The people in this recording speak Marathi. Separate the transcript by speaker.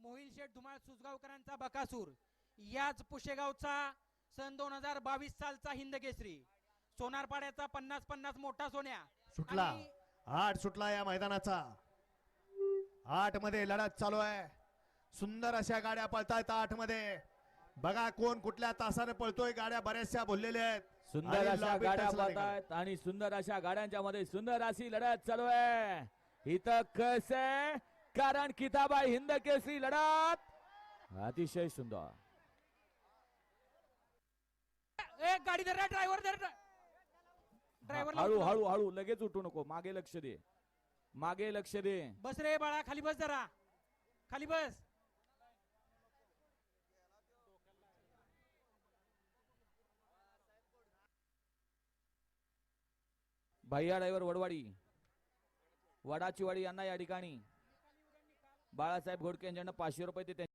Speaker 1: मोहिल शेठ धुमाळ सुसगावकरांचा बकासूर, याच पुशेगावचा सन 2022 सालचा हिंद केसरी, सोनारपाड्याचा 50-50 मोठा सोन्या
Speaker 2: सुटला 8 सुटला या मैदानाचा. 8 मध्ये लढत चालू आहे. सुंदर अशा गाड्या पळतायत 8 मध्ये. बघा कोण कुठल्या तासाने पळतोय. गाड्या बऱ्याचशा बोललेल्या आहेत.
Speaker 3: सुंदर अशा गाड्या पळतायत आणि सुंदर अशा गाड्यांच्या मध्ये सुंदर अशी लढत चालू आहे. इथं कस आहे कारण किताबाई हिंद केसरी लढत अतिशय सुंदर.
Speaker 1: एक गाडी धर, ड्रायव्हर धर, ड्रायव्हर
Speaker 3: हळू हळू हळू लगेच उठू नको. मागे लक्ष दे, मागे लक्ष दे.
Speaker 1: बस रे बाळा, खाली बस जरा, खाली बस.
Speaker 3: भैया ड्रायव्हर वडवाडी, वडाची वाडी यांना या ठिकाणी बाळासाहेब घोडके यांच्याकडून 500 रुपये ते